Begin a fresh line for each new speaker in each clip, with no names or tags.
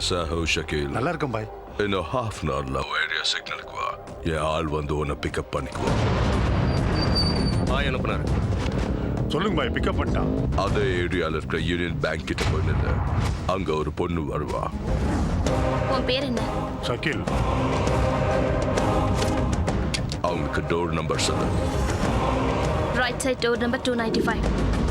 कैसा हो शकील?
நல்லா இருக்கும் பாய்.
இன்னும் ஹாஃப் அன் ஹவர்ல ஏரியா சிக்னலுக்கு வா. என் ஆள் வந்து உன்னை பிக்கப் பண்ணிக்குவோம்.
பாய் அனுப்புனாரு.
சொல்லுங்க பாய், பிக்கப் பண்ணிட்டான்.
அதே ஏரியால இருக்கிற யூனியன் பேங்க் கிட்ட போய் நின்று அங்க ஒரு பொண்ணு வருவா.
உன் பேர் என்ன?
ஷக்கீல்.
அவங்களுக்கு டோர் நம்பர் சொல்லு.
Right side door number 295.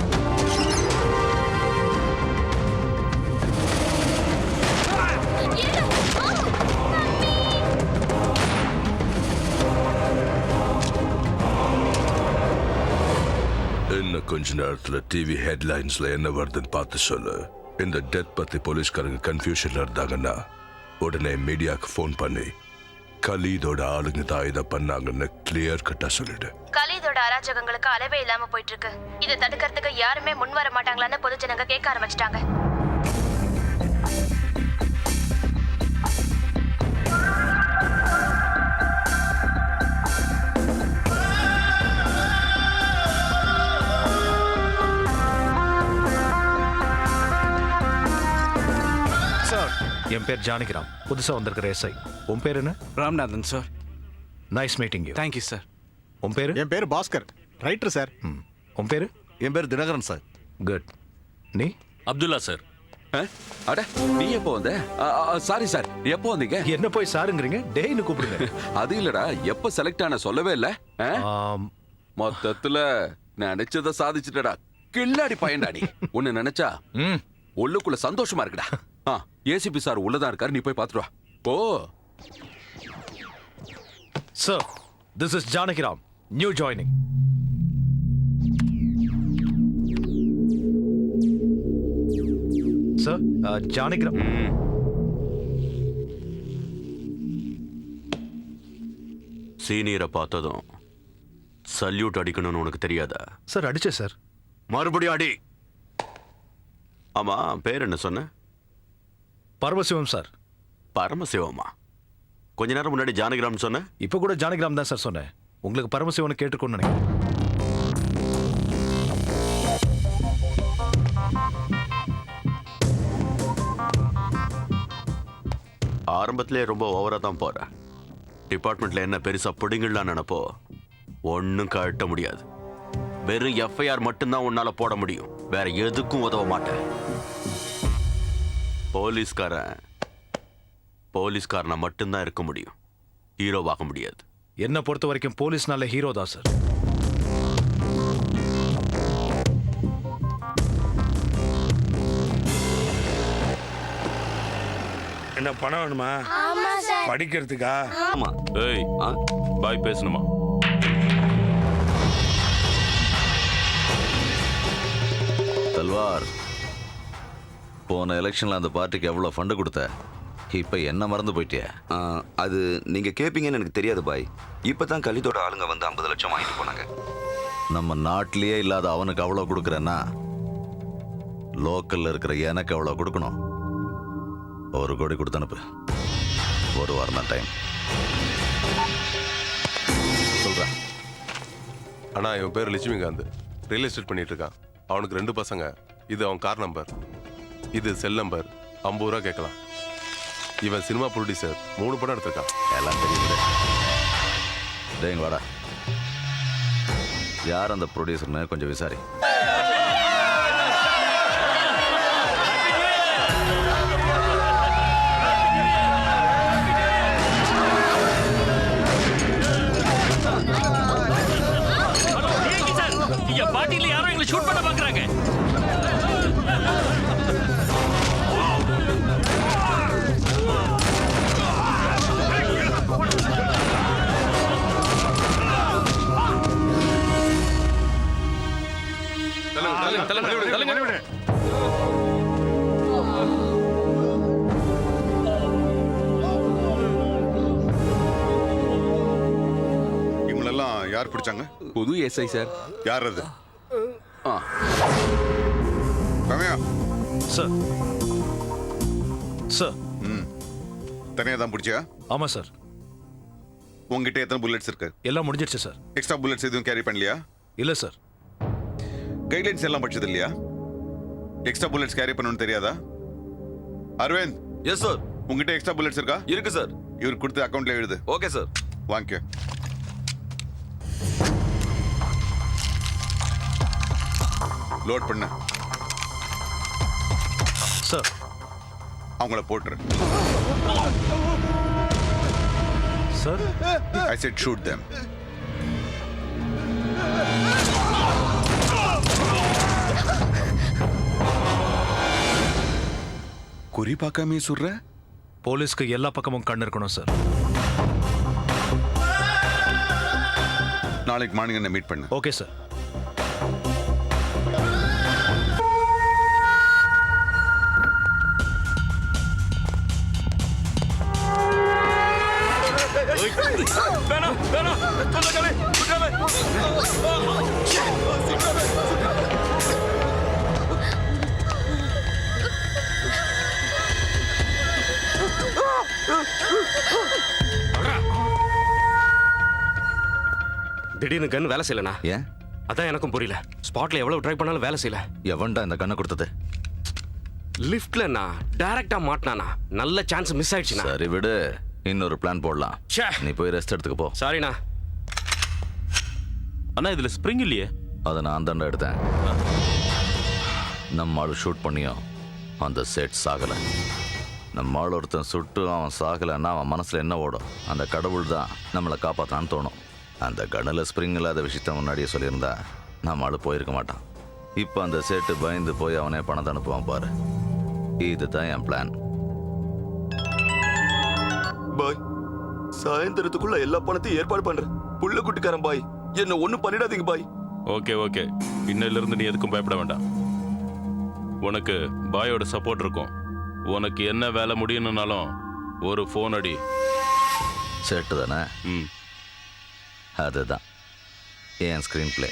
இன்னும் கொஞ்ச நேரத்துல டிவி ஹெட்லைன்ஸ்ல என்ன வருதுன்னு பார்த்து சொல்லு. இந்த டெத் பத்தி போலீஸ்காரங்க கன்ஃபியூஷன்ல இருந்தாங்கன்னா உடனே மீடியாவுக்கு ஃபோன் பண்ணி கலீதோட ஆளுங்க தான் இதை பண்ணாங்கன்னு கிளியர் கட்டா சொல்லிடு.
கலீதோட அராஜகங்களுக்கு அளவே இல்லாம போயிட்டு இருக்கு. இதை தடுக்கிறதுக்கு யாருமே முன் வர மாட்டாங்களான்னு பொதுஜனங்க கேட்க ஆரம்பிச்சிட்டாங்க.
என் பேர் ஜானகிராம், புதுசா வந்திருக்கிற எஸ்ஐ. உன் பேர் என்ன?
Ramnathan sir.
Nice meeting you.
Thank you sir.
உன் பேரு?
என் பேர் பாஸ்கர், ரைட்டர் சார்.
உன் பேரு?
என் பேர் தினகரன் சார்.
குட். நீ?
அப்துல்லா சார்.
அட நீ எப்போ வந்த? சாரி சார், எப்போ வந்தீங்க?
என்ன போய் சாருங்கிறீங்க? டேய்னு கூப்பிடுங்க.
அது இல்லடா, எப்போ செலக்ட் ஆன சொல்லவே இல்ல. மொத்தத்துல நினைச்சத சாதிச்சுட்டடா. கில்லாடி பையன்டா நீ. உன்னை நினைச்சா உள்ளுக்குள்ள சந்தோஷமா இருக்குடா. ஏசிபி சார் உள்ளதான் இருக்காரு, நீ போய் பாத்துட்டு வா. Oh
sir, this is Janakiram, new joining. Sir, Janakiram.
சீனியரை பார்த்ததும் சல்யூட் அடிக்கணும்னு உனக்கு தெரியாதா?
சார் அடிச்சேன் சார்.
மறுபடியும் அடி. ஆமா, பேர் என்ன சொன்ன?
பரமசிவம் சார்.
பரமசிவமா? கொஞ்ச நேரம் முன்னாடி ஜானகிராம் சொன்ன.
இப்ப கூட ஜானகிராம் தான் சார் சொன்னேன். உங்களுக்கு பரமசிவன் கேட்டுக்கொண்டு நினைக்கிறேன்.
ஆரம்பத்திலே ரொம்ப ஓவரா தான் போற. டிபார்ட்மெண்ட்ல என்ன பெருசா பிடிங்கலாம் நினைப்போ ஒன்னும் கட்ட முடியாது. வெறும் எஃப்ஐஆர் மட்டும்தான் உன்னால போட முடியும், வேற எதுக்கும் உதவ மாட்டேன். போலீஸ்காரனா மட்டும்தான் இருக்க முடியும், ஹீரோவாக முடியாது.
என்ன பொறுத்த வரைக்கும் போலீஸ்னால ஹீரோ தான் சார்.
என்ன பணம் வேணுமா? படிக்கிறதுக்கா?
ஆமா. ஏய், பாய் பேசணுமா?
தல்வார், போன எலெக்ஷன்ல அந்த பார்ட்டிக்கு எவ்வளவு ஃபண்டு கொடுத்த? இப்ப என்ன மறந்து போயிட்டியா?
அது நீங்க கேப்பீங்கன்னு எனக்கு தெரியாது பாய். இப்பதான் கலிதோட ஆளுங்க வந்து 50 லட்சம் வாங்கிட்டு போனாங்க.
நம்ம நாட்டிலேயே இல்லாத அவனுக்கு அவ்வளவு கொடுக்குறேன்னா லோக்கல்ல இருக்கிற எனக்கு அவ்வளவு கொடுக்கணும். 1 கோடி கொடுத்து அனுப்பு. 1 வாரம் தான் டைம். சொல்றேன்.
அண்ணா, இவன் பேர் லட்சுமிகாந்த், ரியல் எஸ்டேட் பண்ணிட்டு இருக்கான். அவனுக்கு 2 பசங்க. இது அவன் கார் நம்பர், இது செல் நம்பர். 50 ரூபா கேட்கலாம். இவன் சினிமா ப்ரொடியூசர், 3 படம் எடுத்திருக்கான்.
எல்லாம் தெரியுது. டேங்க வாடா, யார் அந்த ப்ரொடியூசர்னு கொஞ்சம் விசாரி.
பாட்டில யாரோ எங்களை ஷூட் பண்ண பாக்குறாங்க.
இவங்களெல்லாம் யார் பிடிச்சாங்க?
புது எஸ்ஐ சார்.
யார் அது?
சார். சார்.
தனியாக தான் பிடிச்சியா?
ஆமா சார்.
உங்ககிட்ட எத்தனை புல்லட்ஸ் இருக்கு?
எல்லாம் முடிஞ்சிருச்சு சார்.
எக்ஸ்ட்ரா புல்லட்ஸ் எதுவும் கேரி பண்ணலையா?
இல்ல சார்.
கைட்லைன்ஸ் எல்லாம் படிச்சது இல்லையா? எக்ஸ்ட்ரா புல்லட்ஸ் கேரி பண்ணணும்னு தெரியாதா? Aravind,
yes sir.
உங்ககிட்ட எக்ஸ்ட்ரா புல்லட்ஸ் இருக்கா?
இருக்கு சார்.
இவர் கொடுத்து அக்கௌண்ட்ல எழுது.
Okay sir.
வாங்கிக்க. லோட் பண்ண.
சார்.
அவங்கள போட்டுரு.
Sir.
I said shoot them. குறி பார்க்காம சுடுற?
போலீஸ்க்கு எல்லா பக்கமும் கண் இருக்கணும் சார்.
நாளைக்கு மார்னிங் என்ன மீட் பண்ணு.
Okay sir.
திடீர்னு கன் வேலை செய்யலண்ணா.
ஏன்?
அதான் எனக்கும் புரியல. ஸ்பாட்ல எவ்வளவு ட்ரை பண்ணாலும் வேலை செய்யல.
எவன்டா இந்த கண்ணை கொடுத்தது?
லிஃப்ட்லண்ணா டைரக்டா மாட்டினானா. நல்ல சான்ஸ் மிஸ் ஆயிடுச்சுண்ணா.
சரி விடு, இன்னொரு பிளான் போடலாம்.
ச்சே.
நீ போய் ரெஸ்ட் எடுத்துக்க போ.
சாரிண்ணா.
அண்ணா இதுல ஸ்ப்ரிங் இல்லையே.
அதை நான் தாண்டா எடுத்தேன். நம்ம ஆள் ஷூட் பண்ணியும் அந்த செட் சாகல. நம்ம ஆள் ஒருத்தன் சுட்டு அவன் சாகலைன்னா அவன் மனசுல என்ன ஓடும்? அந்த கடவுள் தான் நம்மளை காப்பாத்தான்னு தோணும். அந்த கண்ணில் ஸ்ப்ரிங் இல்லாத விஷயத்த முன்னாடியே சொல்லியிருந்தா நம்ம ஆள் போயிருக்க மாட்டான். இப்போ அந்த செட்டு பயந்து போய் அவனே பணத்தை அனுப்புவான் பாரு. இதுதான் என் பிளான். பாய், சாயந்தரத்துக்குள்ள எல்லா பணத்தையும் ஏற்பாடு பண்றேன். புள்ள குட்டிக்காரன் பாய், என்ன ஒண்ணும் பண்ணிடாதீங்க பாய்.
ஓகே ஓகே, இன்னையில இருந்து நீ எதுக்கும் பயப்பட வேண்டாம். உனக்கு பாயோட சப்போர்ட் இருக்கும். உனக்கு என்ன வேலை முடியணும்னாலும் ஒரு ஃபோன் அடி.
செட்டு தானே?
ம்,
அதுதான் என் ஸ்கிரீன் பிளே.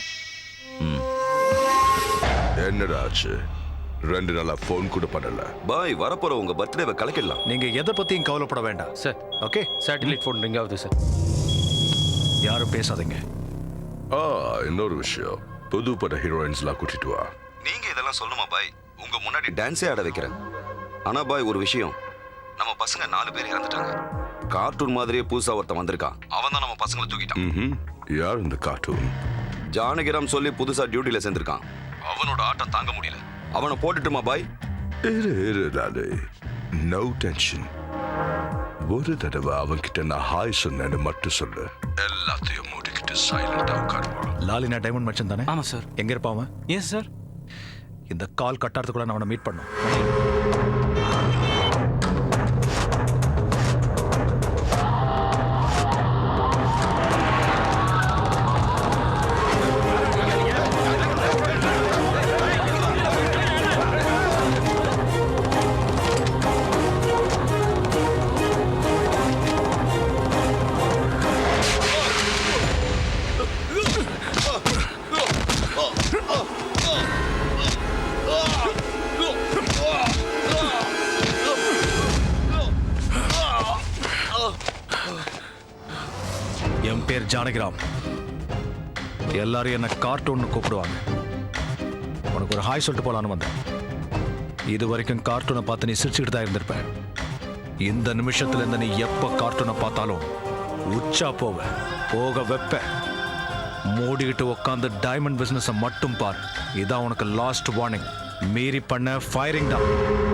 என்னடா ஆச்சு? 2 நாளா ஃபோன் கூட பண்ணல.
பாய், வரப்போற உங்க பர்த்டேவை கலக்கிடலாம்.
நீங்க எதை பத்தியும் கவலைப்பட வேண்டாம்
sir,
okay?
Satellite phone ring ஆகுது சார்.
யாரும் பேசாதீங்க.
இன்னொரு விஷயம், புது பட ஹீரோயின்ஸ்லாம் கூட்டிட்டு வா.
நீங்க இதெல்லாம் சொல்லுமா பாய்? உங்க முன்னாடி டான்ஸே ஆட வைக்கிறேன். ஆனா பாய், ஒரு விஷயம், நம்ம பசங்க 4 பேர் இறந்துட்டாங்க. கார்ட்டூன் மாதிரியே புதுசா ஒருத்தன் வந்திருக்கான். அவன் தான் நம்ம பசங்களை தூக்கிட்டான்.
யார் இந்த கார்ட்டூன்?
ஜானகிராம் சொல்லி புதுசா டியூட்டில சேர்ந்திருக்கான். அவனோட ஆட்டம் தாங்க முடியல. அவனை போட்டுட்டுமா பாய்?
No tension. ஒரு தடவை அவன்கிட்ட நான் ஹாய் சொன்னேன்னு மட்டும் சொல்லு. எல்லாத்தையும் மூடிக்கிட்டு சைலண்டா உட்காருவான்.
லாலினா டைமண்ட் மச்சன் தானே?
ஆமா சார்.
எங்க இருப்பான் அவன்?
Yes sir.
இந்த கால் கட்டாரத்துக்குள்ள நான் அவனை மீட் பண்ணும். என் பேர் ஜானகிராம். எல்லாரும் என்ன கார்ட்டூன் கூப்பிடுவாங்க. உனக்கு ஒரு ஹாய் சொல்லிட்டு போலான்னு வந்தேன். இது வரைக்கும் கார்ட்டூனை பார்த்து நீ சிரிச்சுக்கிட்டு தான் இருந்திருப்ப. இந்த நிமிஷத்துல இருந்து நீ எப்ப கார்ட்டூனை பார்த்தாலும் உச்சா போக வைப்ப. மூடிக்கிட்டு உட்காந்து டைமண்ட் பிசினஸ் மட்டும் பார். இதான் உனக்கு லாஸ்ட் வார்னிங். மீறி பண்ண ஃபயரிங் தான்.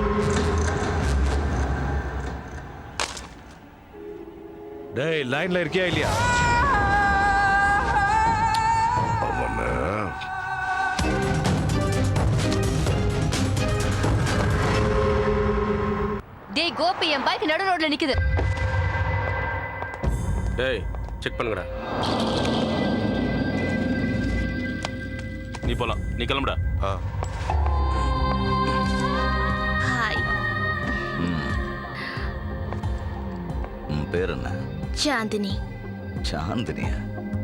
டேய், லைன்ல இருக்கியா இல்லையா?
டேய் கோபி, என் பைக் நடு ரோட்ல நிக்குது.
டேய், செக் பண்ணுங்கடா.
நீ போலாம், நீ கிளம்புடா.
ஹாய்.
உன் பேர் என்ன?
சாந்தினி.
चांदनी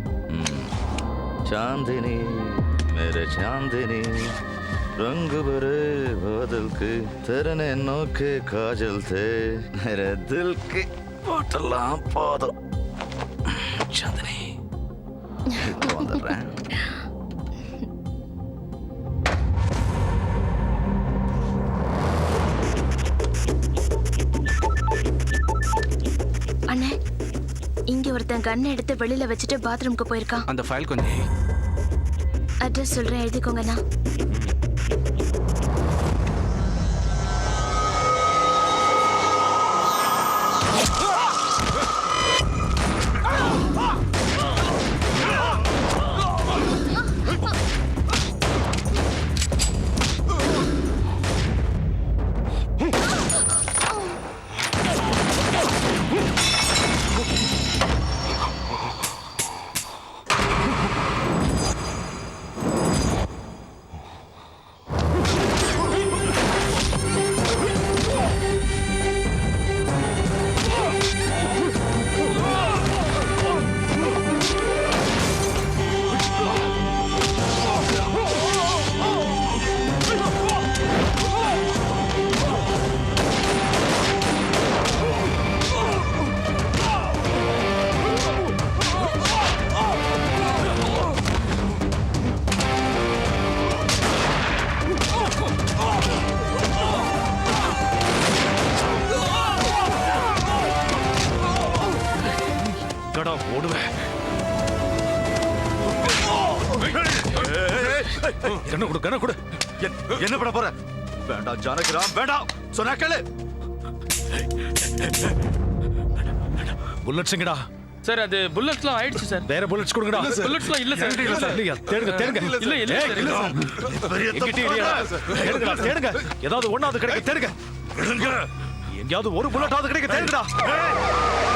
चांदनी मेरे चांदनी रंग भरे बादल के तेरे नैनों के काजल थे मेरे दिल के बोतला पादो चांदनी
அண்ணே இங்க ஒருத்தன் கண்ணை எடுத்து வெளியில வச்சுட்டு பாத்ரூம்க்கு போயிருக்கான்.
அந்த ஃபைல் கொஞ்சம்
அட்ரஸ் சொல்றேன், எழுதிக்கோங்கண்ணா.
ஓடுவேன். கண்ண கொடு. என்ன பண்ண போற? வேண்டாம் ஜானகிராம், வேண்டாம். சொன்னா கேளு. புல்லட்ஸ் எங்கடா?
சார் அது புல்லட்ஸ்லாம் ஆயிடுச்சு சார்.
வேற புல்லட்ஸ் கொடுங்கடா.
புல்லட்ஸ்லாம் இல்ல சார்.
இல்ல சார். தேடுங்க.
இல்ல சார்.
தேடுங்க. ஏதாவது ஒண்ணாவது கிடைக்க தேடுங்க. எங்கேயாவது ஒரு புல்லட்டாவது கிடைக்க தேடுங்கடா.